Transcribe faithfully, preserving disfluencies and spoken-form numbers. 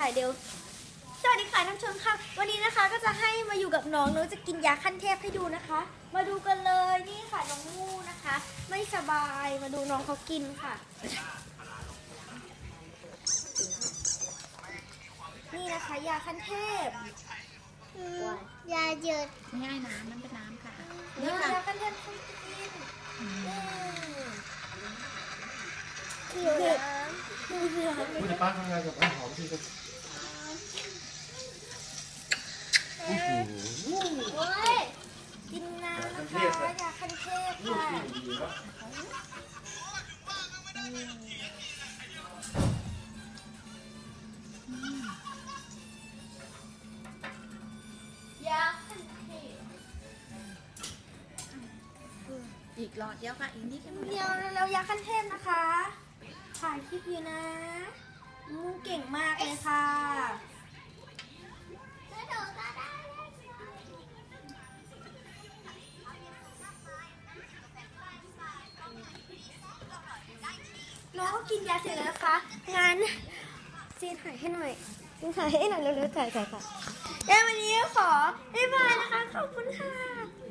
ายเร็วสวัสดีค่ะท่านผู้ชมค่ะวันนี้นะคะก็จะให้มาอยู่กับน้องน้องจะกินยาขั้นเทพให้ดูนะคะ มาดูกันเลยนี่ค่ะน้องงูนะคะ ไม่สบายมาดูน้องเขากินค่ะนี่นะคะยาขั้นเทพยาเยอะง่ายน้ำมันเป็นน้ำค่ะนี่ค่ะยาขั้นเทพให้กินหิวน้ำดูเสือคุณป้าทำงานกับน้ำหอมที่จะโอ้โหโอ้ยกินน้ำนะคะยาขั้นเทพค่ะยาขั้นเทพอีกหลอดเดียวค่ะอีกนิดนึงเดียวแล้วยาขั้นเทพนะคะถ่ายคลิปอยู่นะมูเก่งมากเลยค่ะน้องกินยาเสร็จแล้วนะคะงานซีถ่ายให้หน่อยถ่ายให้หน่อยเร็วๆถ่ายถ่ายค่ะแล้ววันนี้ขอบ๊ายบายนะคะขอบคุณค่ะ